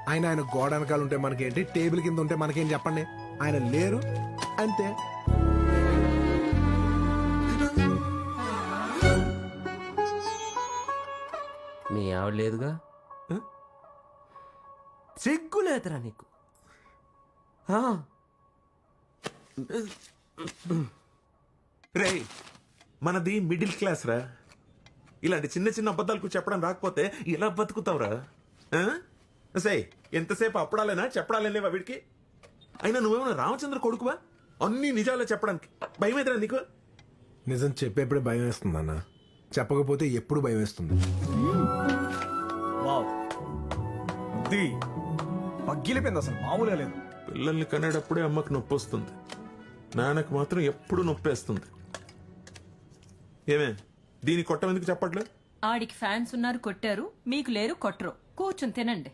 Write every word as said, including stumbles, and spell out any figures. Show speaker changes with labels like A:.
A: ఆయన ఆయన గోడ వెనకాల ఉంటే మనకేంటి, టేబుల్ కింద ఉంటే మనకేం చెప్పండి. ఆయన లేరు అంతే.
B: మీ ఆవిడ లేదుగా, సిగ్గు లేదురా నీకు? ఆ,
C: రే మనది మిడిల్ క్లాస్ రా. ఇలాంటి చిన్న చిన్న అబద్ధాలకు చెప్పడం రాకపోతే ఎలా బతుకుతావురా? ఆ? సే ఎంతసేపు అప్పడాలేనా చెప్పడాలేవా వీడికి? అయినా నువ్వేమన్నా రామచంద్ర కొడుకువా అన్ని నిజాలే చెప్పడానికి? భయం ఎదురా నీకు?
A: నిజం చెప్పేప్పుడే భయం వేస్తుంది అన్న, చెప్పకపోతే ఎప్పుడు భయం వేస్తుంది.
D: వావ్, ఇది పగ్గిలిపోయింది, అసలు మామూలుగా లేదు.
C: పిల్లల్ని కనేటప్పుడే అమ్మకు నొప్పి వస్తుంది, నాన్నకు మాత్రం ఎప్పుడు నొప్పేస్తుంది. ఏమే దీని కొట్టం ఎందుకు చెప్పట్లేదు?
E: ఆడికి ఫ్యాన్స్ ఉన్నారు కొట్టారు, మీకు లేరు కొట్టరు, కూర్చుని తినండి.